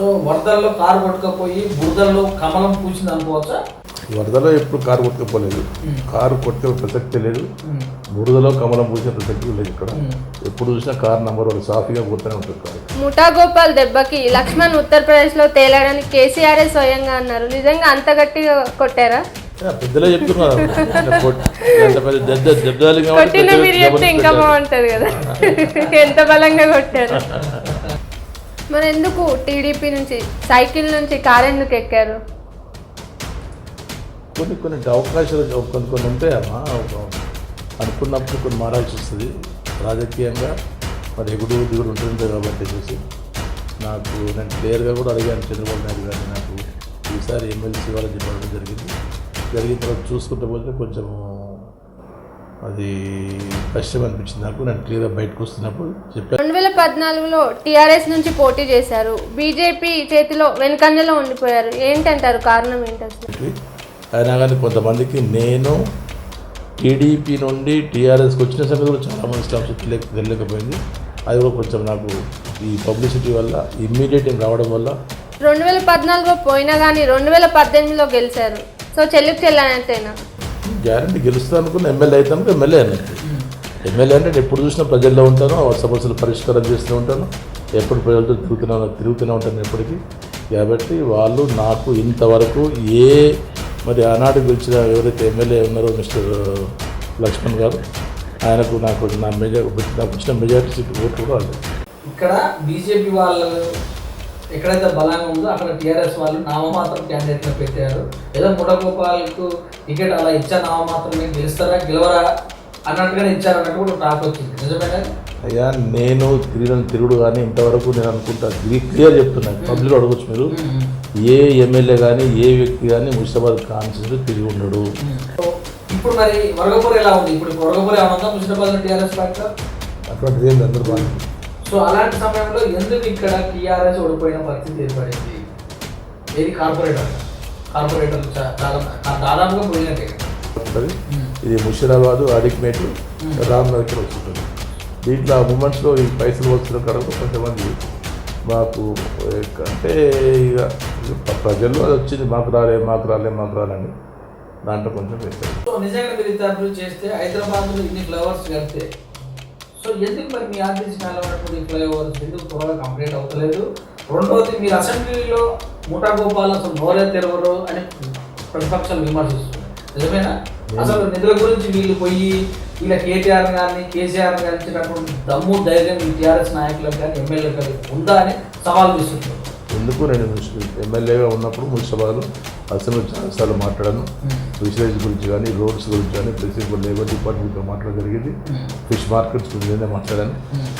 వరదల్లో కారు కొట్టుకపోయి బురదల్లో కమలం పూసింది అనుకోవచ్చా? వరదలో ఎప్పుడు కారు కొట్టుకపోలేదు, కారు కొట్టే ప్రసక్తి లేదు, బురదలో కమలం పూసిన ప్రసక్తి లేదు. ఇక్కడ ఎప్పుడు చూసినా కారు నంబర్ 1 సాఫీగా కొడుతూనే ఉంటుంది కారు. ముఠా గోపాల్ దెబ్బకి లక్ష్మణ్ ఉత్తరప్రదేశ్లో తేలాడని కేసీఆర్ స్వయంగా అన్నారు. నిజంగా అంత గట్టిగా కొట్టారా? పెద్దలే చెప్తున్నారు. కొట్టిన మీరు చెప్తే ఇంకా బాగుంటుంది కదా, ఎంత బలంగా కొట్టారు. మరి ఎందుకు టీడీపీ నుంచి సైకిల్ నుంచి కారు ఎందుకు ఎక్కారు? కొన్ని అవకాశాలు కొన్ని ఉంటాయమ్మా. అనుకున్నప్పుడు కొన్ని మారాల్సి వస్తుంది రాజకీయంగా. మరి ఎగుడు దిగుడు ఉంటుంది కాబట్టి చూసి నేను క్లియర్గా కూడా అడిగాను చంద్రబాబు నాయుడు గారిని, నాకు ఈసారి ఎమ్మెల్సీ వాళ్ళని చెప్పడం జరిగిన తర్వాత చూసుకుంటే పోతే కొంచెం అది కష్టం అనిపించింది నాకు. నేను క్లియర్గా బయటకు వస్తున్నప్పుడు చెప్పాను. 2014లో టీఆర్ఎస్ నుంచి పోటీ చేశారు, బీజేపీ చేతిలో వెనుకంజలో ఉండిపోయారు. ఏంటంటారు, కారణం ఏంటంటే? అయినా కానీ కొంతమందికి నేను టీడీపీ నుండి టీఆర్ఎస్కి వచ్చిన సంగతి కూడా చాలామంది స్టాఫ్స్ తెలియకపోయింది. అది కూడా కొంచెం నాకు ఈ పబ్లిసిటీ వల్ల ఇమ్మీడియట్ రావడం వల్ల 2014లో పోయినా కానీ 2018లో గెలిచారు. సో చెల్లికి చెల్లనట్టేనా? గ్యారంటీ గెలుస్తా అనుకున్న ఎమ్మెల్యే అవుతాను. ఎమ్మెల్యే అన్నట్టు ఎమ్మెల్యే అంటే ఎప్పుడు చూసినా ప్రజల్లో ఉంటాను, సమస్యలు పరిష్కారం చేస్తూ ఉంటాను, ఎప్పుడు ప్రజలతో తిరుగుతూనే ఉంటాను ఎప్పటికీ. కాబట్టి వాళ్ళు నాకు ఇంతవరకు మరి ఆనాడు గెలిచిన ఎవరైతే ఎమ్మెల్యే ఉన్నారో మిస్టర్ లక్ష్మణ్ గారు, ఆయనకు నాకు వచ్చిన మెజారిటీ సీట్ ఓటు కూడా వాళ్ళు. ఇక్కడ బీజేపీ వాళ్ళు ఎక్కడైతే బలంగా ఉందో అక్కడ టీఆర్ఎస్ వాళ్ళు నామమాత్రం క్యాండిడేట్గా పెట్టారు. ఏదో ముఠగోపాల్కు టికెట్ అలా ఇచ్చా నామమాత్రమే, గెలుస్తారా గెలవరా అన్నట్టుగానే ఇచ్చారన్నట్టు కూడా టాక్ వచ్చింది. నిజమేనా? అయ్యా నేను తిరుగుడు కానీ ఇంతవరకు నేను అనుకుంటా క్లియర్ చెప్తున్నాను, పబ్లిక్ అడగచ్చు మీరు. ఏ ఎమ్మెల్యే కానీ ఏ వ్యక్తి కానీ ముషిరాబాద్ కాన్స్టిట్యూన్సీ తిరిగి ఉండడు. ఇప్పుడు మరి వరగపూర్ ఎలా ఉంది? ఇప్పుడు వరగపూర్ ఏమన్నా ముషిరాబాద్ టీఆర్ఎస్ పార్టీ అటువంటిది ఏం అందరూ బాగా. సో అలాంటి సమయంలో ఎందుకు ఇక్కడ టీఆర్ఎస్ ఓడిపోయిన పరిస్థితి ఏర్పడింది? ఏది కార్పొరేటర్లు దాదాపుగా పోయినట్టే ఉంటుంది. ఇది ముషిరాబాదు, అడిక్మేట్, రామ్నగర్ వస్తుంటుంది. దీంట్లో ఆ మూమెంట్స్లో ఈ పైసలు వస్తున్న కనుక కొంతమంది మాకు అంటే ఇక ప్రజల్లో అది వచ్చింది, మాకు రాలని దాంట్లో కొంచెం వేస్తారు. సో నిజంగా మీరు ఇంత చేస్తే హైదరాబాద్లో ఇన్ని ఫ్లైఓవర్స్ కడితే సో ఎందుకు మరి మీ ఆర్టీసీ ఉన్నప్పుడు ఈ ఫ్లైఓవర్స్ ఎందుకు త్వరగా కంప్లీట్ అవుతలేదు? రెండవది, మీరు అసెంబ్లీలో ముఠా గోపాల్ అసలు నోరే తెరవరు అని ప్రతిపక్షాలు విమర్శిస్తున్నారు. నిజమేనా? అసలు నిధుల గురించి వీళ్ళు పోయి వీళ్ళ కేటీఆర్ కానీ కేసీఆర్ కానీ ఇచ్చినటువంటి దమ్ము ధైర్యం ఈ టీఆర్ఎస్ నాయకులకు కానీ ఎమ్మెల్యేలకు కానీ ఉందా అని సవాల్ చేస్తున్నారు. ఎందుకు నేను ఎమ్మెల్యేగా ఉన్నప్పుడు మున్సిపాలిటీలో అసెంబ్లీ చాలాసార్లు మాట్లాడాను. ఫిషరీస్ గురించి కానీ, రోడ్స్ గురించి కానీ, ప్రిన్సిపల్ లేబర్ డిపార్ట్మెంట్తో మాట్లాడడం జరిగింది. ఫిష్ మార్కెట్స్ గురించి మాట్లాడాను.